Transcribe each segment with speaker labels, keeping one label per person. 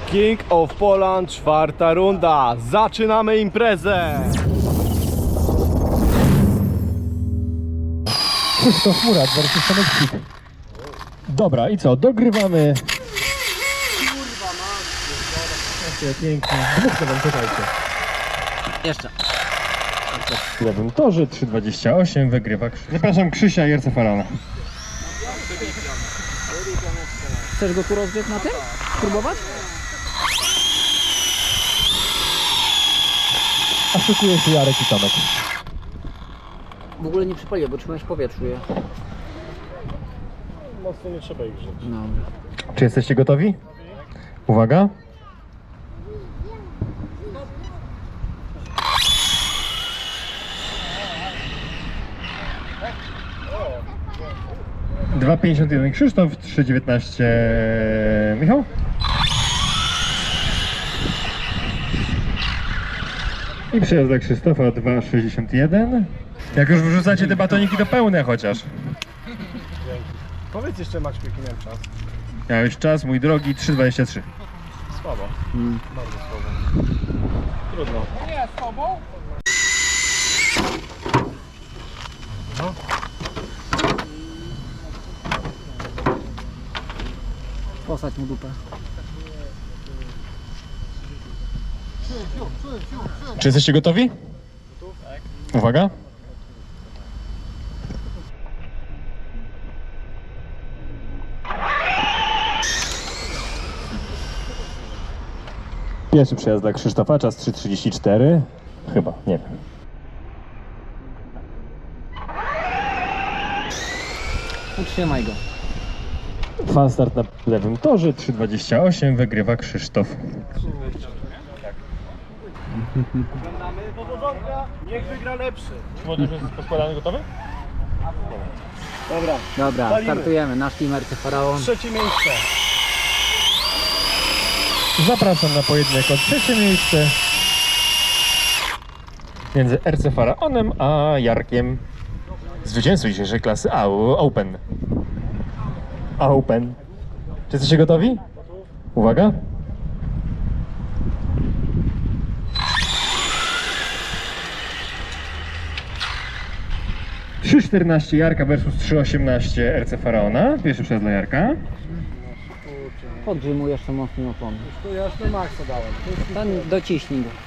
Speaker 1: King of Poland, 4. runda. Zaczynamy imprezę!
Speaker 2: Krzysztof Murat versus Tomek. Dobra, i co? Dogrywamy. Kurwa, mam. Pięknie. Dwóch wam czekajcie.
Speaker 3: Jeszcze.
Speaker 2: W lewym torze 3,28 wygrywa zapraszam Krzysia i Ercefarana.
Speaker 3: Chcesz go tu rozbiec na tym? Spróbować?
Speaker 2: A szykuje się Jarek i Tomek.
Speaker 3: W ogóle nie przypalię, bo trzymałeś w powietrzu je.
Speaker 1: Mocno nie trzeba ich grzeć.
Speaker 3: No.
Speaker 2: Czy jesteście gotowi? Uwaga. Dwa 51 Krzysztof, 3,19 Michał. I przejazd dla Krzysztofa 2,61. Jak już wrzucacie te batoniki, to pełne chociaż.
Speaker 1: Powiedz jeszcze, Maćku, jaki miałem czas.
Speaker 2: Miałeś czas, mój drogi, 3,23.
Speaker 1: Słabo. Bardzo słabo. Trudno.
Speaker 4: Nie, z tobą?
Speaker 3: Posadź mu dupę.
Speaker 2: Czy jesteście gotowi? Uwaga. Pierwszy przejazd dla Krzysztofa, czas 3,34. Chyba, nie wiem.
Speaker 3: Utrzymaj go.
Speaker 2: Fan start na lewym torze, 3,28, wygrywa Krzysztof.
Speaker 1: Powodzonka, niech wygra lepszy.
Speaker 2: Młodzież jest poskładany, gotowy?
Speaker 1: Dobra,
Speaker 3: Dobra,
Speaker 1: Palimy.
Speaker 3: startujemy. Nasz team RC Faraon.
Speaker 1: 3. miejsce.
Speaker 2: Zapraszam na pojedynek o trzecie miejsce między RC Faraonem a Jarkiem. Zwycięzcą dzisiejszej klasy Open. Open. Czy jesteście gotowi? Uwaga. Trzy 14 Jarka versus 3,18 RC Faraona. Pierwszy przejazd dla Jarka.
Speaker 3: Podgrzyj mu jeszcze mocniej opony.
Speaker 1: To ja już na maksa dałem.
Speaker 3: Ten dociśnij go.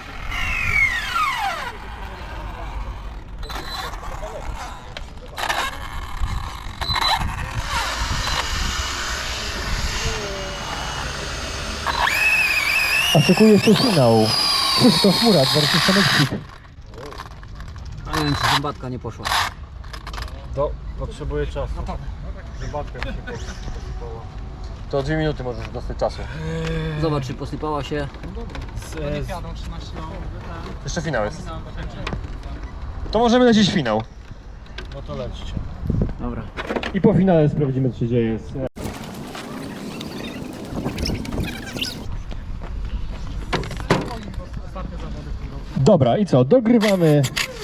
Speaker 2: A szykuje się finał. Krzysztof Murat versus Tomek.
Speaker 3: A nie wiem, czy zębatka nie poszła.
Speaker 1: To potrzebuję czasu. Zobaczkę, jak się posypało.
Speaker 2: To 2 minuty możesz dostać czasu.
Speaker 3: Zobacz, czy posypała się.
Speaker 2: Jeszcze finał jest. To możemy lecieć finał.
Speaker 1: No to lećcie.
Speaker 3: Dobra.
Speaker 2: I po finale sprawdzimy, co się dzieje z... Dobra, i co? Dogrywamy.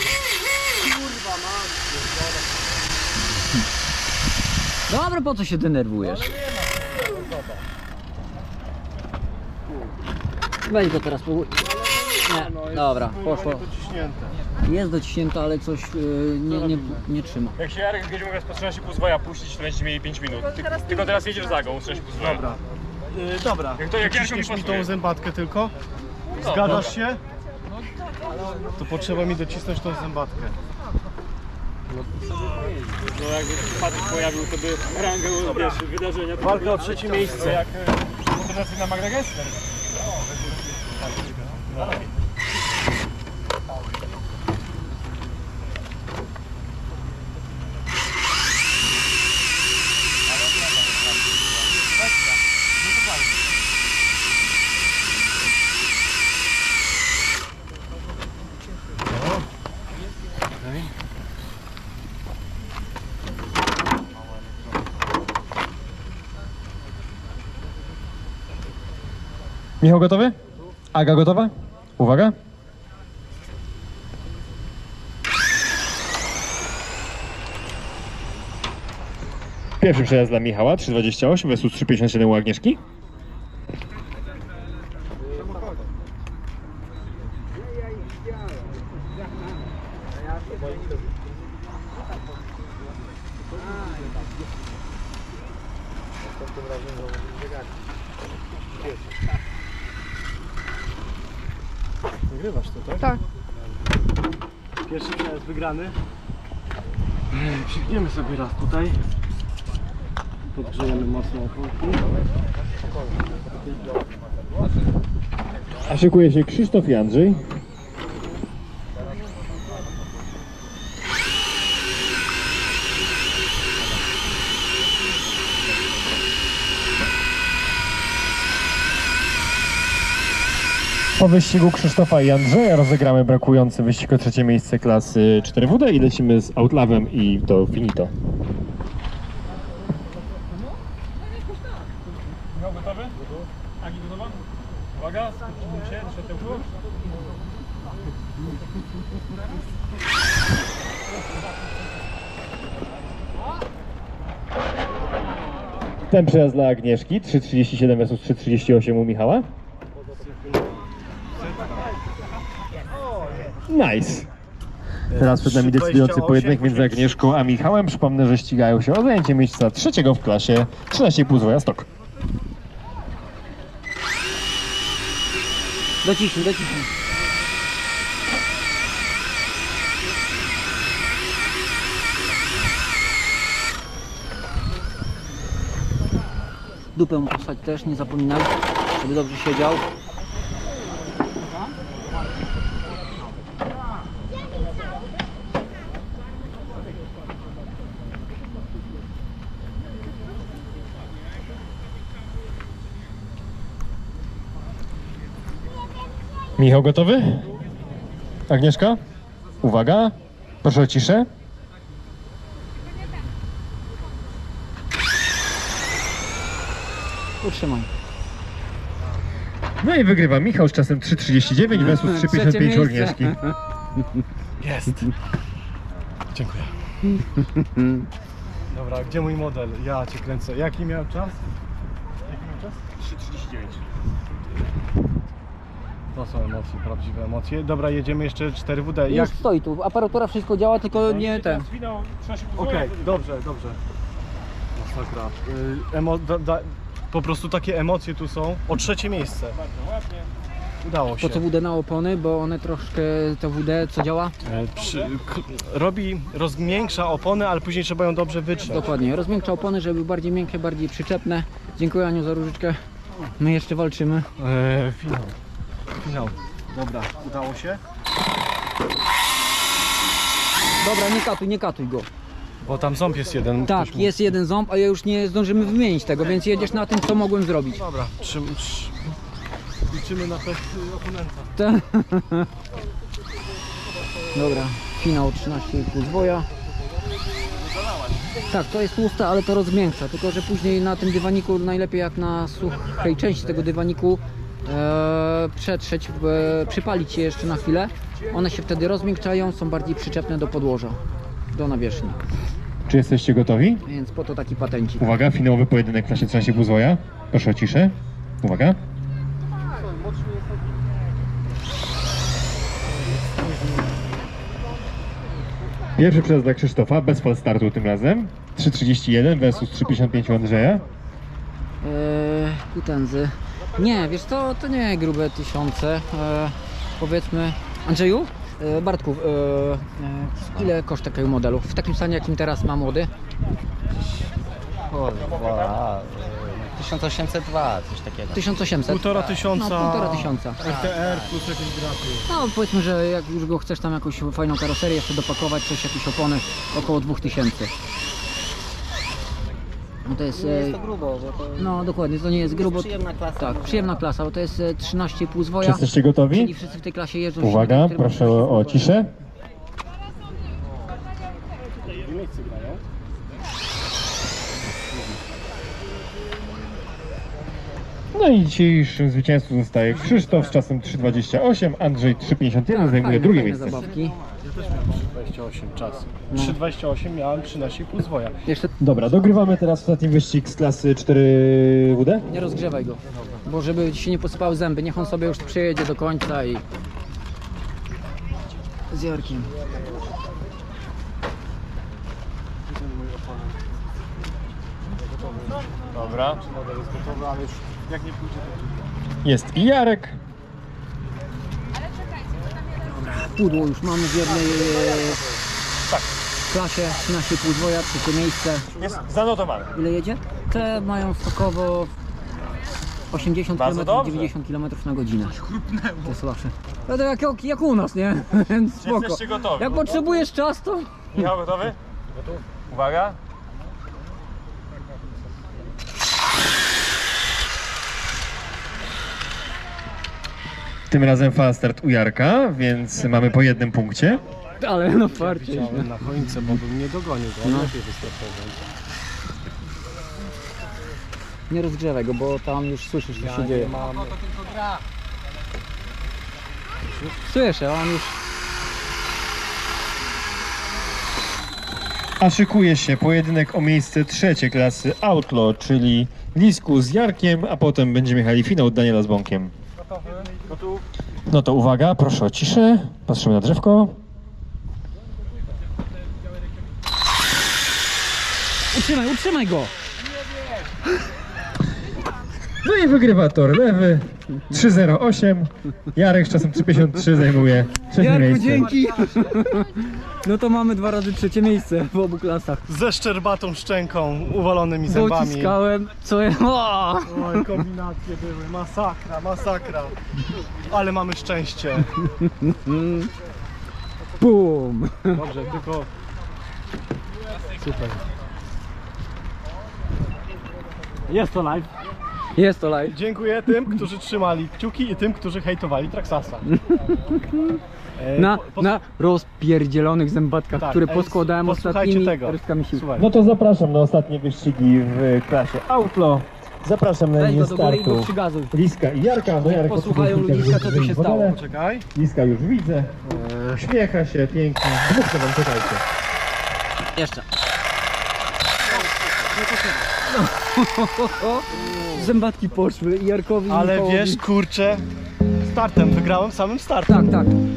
Speaker 3: Dobra, po co się denerwujesz? Weź go teraz po... Nie, dobra, poszło.
Speaker 1: Dociśnięte.
Speaker 3: Jest dociśnięte, ale coś nie trzyma.
Speaker 2: Jak się Jarek będzie mógł po 13,5 puścić, to będziecie mieli 5 minut. Tylko teraz jedziesz za go, 13,5.
Speaker 1: Dobra. Dobra.
Speaker 2: Jak to jak Jarek mi
Speaker 1: Ciśniesz mi
Speaker 2: pasuje.
Speaker 1: tą zębatkę tylko?
Speaker 2: No,
Speaker 1: Zgadzasz się? To potrzeba mi docisnąć tą zębatkę.
Speaker 5: No jakby Patryk pojawił, to by rangę wiesz, wydarzenia.
Speaker 1: Walka o 3. miejsce.
Speaker 2: Jak motoryzacyjna Magda Gessler. Michał gotowy? Aga gotowa? Uwaga. Pierwszy przejazd dla Michała, 3,28 versus 3,57 u Agnieszki.
Speaker 1: Nagrywasz to, tak?
Speaker 4: Tak.
Speaker 1: Pierwszy przejazd wygrany. Przygniemy sobie raz tutaj. Podgrzejemy mocno oponki.
Speaker 2: A szykuje się Krzysztof i Andrzej. Po wyścigu Krzysztofa i Andrzeja rozegramy brakujący wyścig o trzecie miejsce klasy 4WD i lecimy z Outlawem i to finito.
Speaker 5: Michał gotowy? Agi gotowa? Uwaga, skupmy się, do światełku.
Speaker 2: Ten przejazd dla Agnieszki, 3.37 versus 3.38 u Michała. Nice! Teraz przed nami decydujący pojedynek między Agnieszką a Michałem. Przypomnę, że ścigają się o zajęcie miejsca trzeciego w klasie 13,5 zwoja stok.
Speaker 3: Dociśnij, dociśnij. Dupę mu postać też, nie zapominaj, żeby dobrze siedział.
Speaker 2: Michał gotowy? Agnieszka? Uwaga, proszę o ciszę.
Speaker 3: Utrzymaj.
Speaker 2: No i wygrywa Michał z czasem 3.39 versus 3.55 u Agnieszki.
Speaker 1: Jest. Dziękuję. Dobra, gdzie mój model? Ja cię kręcę. Jaki miał czas? Jaki miał czas? 3.39. To są emocje, prawdziwe emocje. Dobra, jedziemy jeszcze 4WD.
Speaker 3: Już stoi tu, aparatura wszystko działa, tylko nie ten.
Speaker 5: Zwinął 13,5
Speaker 1: Okej, dobrze, dobrze. Masakra. Po prostu takie emocje tu są. O trzecie miejsce.
Speaker 5: Bardzo ładnie.
Speaker 1: Udało się.
Speaker 3: Po co WD na opony, bo one troszkę, to WD co działa?
Speaker 1: Rozmiększa opony, ale później trzeba ją dobrze wytrzeć.
Speaker 3: Dokładnie, rozmiękcza opony, żeby były bardziej miękkie, bardziej przyczepne. Dziękuję Aniu za różyczkę. My jeszcze walczymy.
Speaker 1: Finał. Finał. Dobra, udało się.
Speaker 3: Dobra, nie katuj go.
Speaker 1: Bo tam ząb jest jeden.
Speaker 3: Tak,
Speaker 1: Ktoś mu-
Speaker 3: jest jeden ząb, a ja już nie zdążymy wymienić tego, więc jedziesz na tym, co mogłem zrobić.
Speaker 1: Dobra, liczymy na pech oponenta.
Speaker 3: Dobra, finał 13,5 zwoja. Tak, to jest tłuste, ale to rozmiękcza, tylko że później na tym dywaniku, najlepiej jak na suchej części tego dywaniku, przetrzeć, przypalić je jeszcze na chwilę. One się wtedy rozmiękczają, są bardziej przyczepne do podłoża, do nawierzchni.
Speaker 2: Czy jesteście gotowi?
Speaker 3: Więc po to taki patencik.
Speaker 2: Uwaga, finałowy pojedynek w klasie 13,5 zwoja. Proszę o ciszę. Uwaga. Pierwszy przejazd dla Krzysztofa, bez fal startu tym razem. 3.31 versus 3.55 u Andrzeja.
Speaker 3: Kutenzy. Nie, wiesz to nie grube tysiące. Powiedzmy, Andrzeju, Bartku, ile koszt takiego modelu? W takim stanie jakim teraz ma młody?
Speaker 6: 1802, coś takiego.
Speaker 3: 1800.
Speaker 1: 1500.
Speaker 3: No, 1500.
Speaker 1: RTR plus jakieś graty.
Speaker 3: No powiedzmy, że jak już go chcesz tam jakąś fajną karoserię jeszcze dopakować, coś, jakieś opony, około 2000. No to jest...
Speaker 6: Nie jest to grubo, bo to
Speaker 3: No dokładnie, to nie jest grubo.
Speaker 6: przyjemna klasa.
Speaker 3: Tak, przyjemna klasa, bo to jest 13,5
Speaker 2: Czy
Speaker 3: zwoja.
Speaker 2: jesteście gotowi?
Speaker 3: Czyli wszyscy w tej klasie jeżdżą.
Speaker 2: Uwaga,
Speaker 3: silnikiem, który
Speaker 2: proszę
Speaker 3: ma
Speaker 2: o ciszę. No i dzisiejszym zwycięzcą zostaje Krzysztof z czasem 3.28, Andrzej 3.51, zajmuje drugie
Speaker 3: fajne
Speaker 2: miejsce.
Speaker 3: zabawki.
Speaker 1: Ja też miałem 3,28 czas. 3,28 miałem 13,5 zwoja.
Speaker 3: Jeszcze
Speaker 2: Dobra, dogrywamy teraz ostatni wyścig z klasy 4WD.
Speaker 3: nie rozgrzewaj go, bo żeby ci się nie posypały zęby, niech on sobie już przejedzie do końca i... z Jarkiem.
Speaker 2: Dobra.
Speaker 1: Model jest gotowy, ale już jak nie pójdzie to...
Speaker 2: Jest i Jarek.
Speaker 3: Pudło już mamy w jednej klasie, 13,5 dwoja, trzecie miejsce.
Speaker 2: Jest zanotowane.
Speaker 3: Ile jedzie? Te mają stokowo 80
Speaker 2: Bardzo
Speaker 3: km,
Speaker 2: dobrze.
Speaker 3: 90 km na godzinę. To jest słabsze. No to jak u nas, nie? Więc spoko.
Speaker 2: Jesteście gotowi.
Speaker 3: Jak potrzebujesz czas, to...
Speaker 2: Michał gotowy? Gotów. Uwaga. Tym razem fast start u Jarka, więc mamy po jednym punkcie.
Speaker 3: Ale no farcie.
Speaker 1: Chciałem na końcu, bo bym nie dogonił go,
Speaker 3: No.
Speaker 1: lepiej wystartował.
Speaker 3: Nie rozgrzewaj go, bo tam już słyszysz, co się dzieje.
Speaker 1: Mam...
Speaker 3: Słyszę, on już...
Speaker 2: A szykuje się pojedynek o miejsce trzecie klasy Outlaw, czyli Lisku z Jarkiem, a potem będziemy jechali finał Daniela z Bąkiem.
Speaker 1: Gotów?
Speaker 2: No to uwaga, proszę o ciszę. Patrzymy na drzewko.
Speaker 3: Utrzymaj go!
Speaker 2: No i wygrywa tor lewy 3.08. Jarek z czasem 3.53 zajmuje trzecie
Speaker 3: Jarku,
Speaker 2: miejsce.
Speaker 3: dzięki! No to mamy 2 razy trzecie miejsce w obu klasach.
Speaker 1: Ze szczerbatą szczęką, uwalonymi zębami.
Speaker 3: Dociskałem, co ja... O!
Speaker 1: Oj, kombinacje były, masakra, masakra. Ale mamy szczęście.
Speaker 3: Bum!
Speaker 1: Dobrze, tylko... Super. Jest to live.
Speaker 3: Jest to live.
Speaker 1: Dziękuję tym, którzy trzymali kciuki i tym, którzy hejtowali Traxasa.
Speaker 3: Na rozpierdzielonych zębatkach,
Speaker 1: Tak,
Speaker 3: które
Speaker 1: ej,
Speaker 3: poskładałem
Speaker 1: posłuchajcie
Speaker 3: ostatnimi
Speaker 1: tego.
Speaker 3: resztkami sił.
Speaker 1: Słuchaj.
Speaker 2: No to zapraszam na ostatnie wyścigi w klasie Outlaw. Zapraszam na
Speaker 3: Weź
Speaker 2: linię
Speaker 3: go do góry i go
Speaker 2: startu
Speaker 3: przygazuj.
Speaker 2: Liska i Jarka. No Jarek
Speaker 3: Posłuchają
Speaker 2: oczywiście
Speaker 3: ludziska, co tu
Speaker 2: wyjdzie
Speaker 3: się
Speaker 2: w wodę.
Speaker 3: stało.
Speaker 1: Czekaj.
Speaker 2: Liska już widzę. Uśmiecha się pięknie. Dwóch wam czekajcie.
Speaker 3: Jeszcze. Zębatki poszły i Jarkowi i
Speaker 1: Ale
Speaker 3: Michałowi.
Speaker 1: wiesz, kurczę, startem wygrałem samym startem.
Speaker 3: Tak, tak.